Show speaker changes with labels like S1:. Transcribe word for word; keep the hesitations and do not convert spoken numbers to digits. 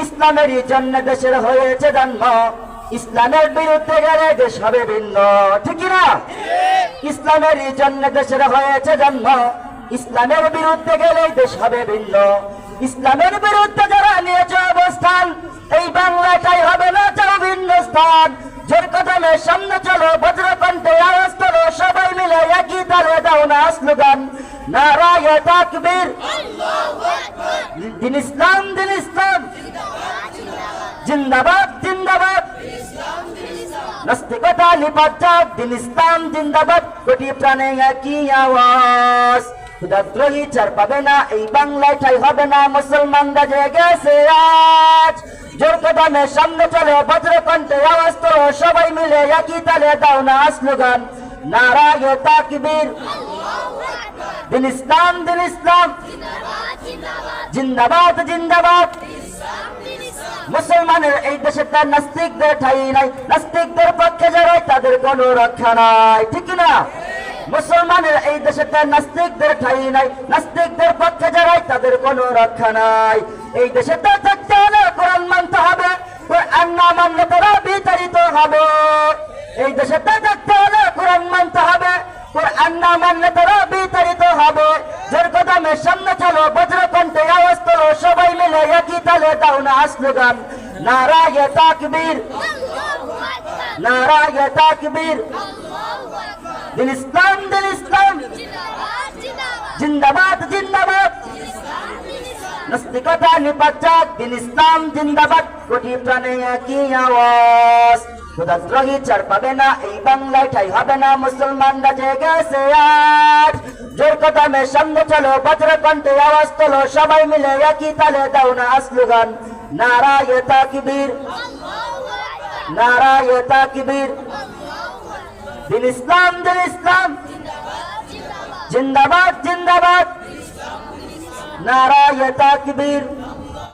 S1: ইসলামেরই জন্য দেশের হয়েছে জন্ম, ইসলামের বিরুদ্ধে গেলে দেশ হবে ভিন্ন, ঠিক না? ইসলামেরই জন্য দেশের হয়েছে জন্ম, ইসলামের বিরুদ্ধে গেলে দেশ হবে ভিন্ন। ইসলামের বিরুদ্ধে যারা নিয়েছে অবস্থান, এই বাংলাটাই হবে না চাও ভিন্ন স্থান। জোর কদমে সামনে চলো, বজ্রকণ্ঠে আওয়াজ করো, সবাই মিলে একই তালে দাও না স্লোগান, নারায়ে তাকবীর, দিন ইসলাম দিন ইসলাম, জিন্দাবাদ জিন্দাবাদ, নাস্তিকতা নিপাত যাক, দিন ইসলাম জিন্দাবাদ, কোটি প্রাণে একই আওয়াজ। ক্ষুধাদ্রোহী চার পাবে না, এই বাংলায় ঠাই হবে না, মুসলমানরা জেগেছে আজ। জোর কদমে সামনে চলো, বজ্রকণ্ঠে আওয়াজ করো, সবাই মিলে একই তালে দাও না স্লোগান, নারায়ে তাকবীর, দিন ইসলাম দিন ইসলাম, জিন্দাবাদ জিন্দাবাদ। মুসলমানের এই দেশে তার নাস্তিকদের ঠাই নাই, নাস্তিকদের পক্ষে যারা তাদের কোনো রক্ষা নাই, ঠিক না? মুসলমানের এই দেশে তার নাস্তিকদের ঠাই নাই, নাস্তিকদের পক্ষে যারা তাদের কোনো রক্ষা নাই। এই দেশে তার থাকতে হলে কোরআন মানতে হবে, কোরআন না মানলে তারা বিতাড়িত হবে। এই দেশে তার থাকতে হলে কোরআন মানতে হবে, কোরআন না মানলে তারা বিতাড়িত হবে। জোর কদমে সামনে চলো, বজ্রকণ্ঠে আওয়াজ করো, সবাই মিলে একই তালে দাও না স্লোগান, নারায়ে তাকবীর, নারায়ে তাকবীর, দিন ইসলাম দিন ইসলাম, জিন্দাবাদ জিন্দাবাদ, নাস্তিকতা নিপাত যাক, দিন ইসলাম জিন্দাবাদ, কোটি প্রাণে একই আওয়াজ। ক্ষুধাদ্রোহী চার পাবে না, এই বাংলায় ঠাই হবে না, মুসলমানরা জেগেছে আজ। জোর কদমে সামনে চলো, বজ্রকণ্ঠে আওয়াজ তোলো, সবাই মিলে একই তালে দাও না স্লোগান, নারায়ে তাকবীর, নারায়ে তাকবীর, দিন ইসলাম দিন ইসলাম, জিন্দাবাদ জিন্দাবাদ, নারায়ে তাকবীর।